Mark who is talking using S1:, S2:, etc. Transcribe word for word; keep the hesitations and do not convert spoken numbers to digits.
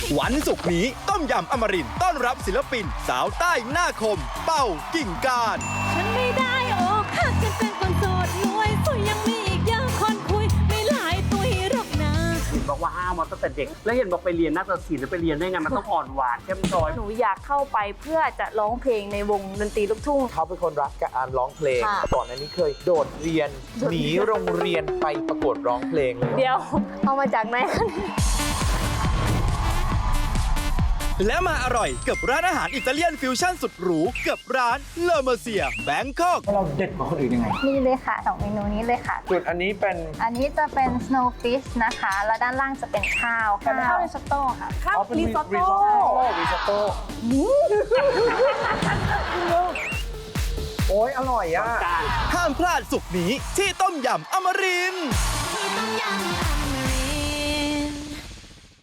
S1: วันศุกร์นี้ต้มยำอมรินทร์ต้อนรับศิลปิน สาวใต้หน้าคม เป้ากิ่งการ
S2: ฉันไม่ได้อกหักกันเป็นคนโสดรวยสวยยังมีอีกเยอะคนคุยไม่หลายตุยหรอกนะ
S3: เห็นบอกว่าห้ามมาตั้งแต่เด็ก แล้วเห็นบอกไปเรียนนาฏศิลป์แล้วไปเรียนได้ไงมันต้องอ่อนหวานเข้มจอย
S4: หนูอยากเข้าไปเพื่อจะร้องเพลงในวงดนตรีลูกทุ่ง
S5: เขาเป็นคนรักการร้องเพลง
S4: ค่ะ
S5: ก่อนอันนี้เคยโดดเรียน หนีโรงเรียนไปประกวดร้องเพลงเลย
S4: เดี๋ยว เอามาจากไหนคะ
S1: และมาอร่อยกับร้านอาหารอิตาเลียนฟิวชั่นสุดหรูกับร้านเลอเมอร์เซียแบงคอก
S5: เราเด็ดกว่าคนอื่นยังไง
S6: นี่เลยค่ะสองเมนูนี้เลยค่ะ
S5: จุดอันนี้เป็น
S6: อันนี้จะเป็น snowfish นะคะ แล้วด้านล่างจะเป็นข้าวข้าวริซอตโต้ค่ะ
S4: ข้าว
S5: อ๋อเป็น
S4: ริซอตโต้
S5: ริซอตโต้โอ้ยอร่อยอ่ะ
S1: ห้ามพลาดสุกร์นี้ที่ต้มยำอมรินทร์
S2: ที่ต้มยำอม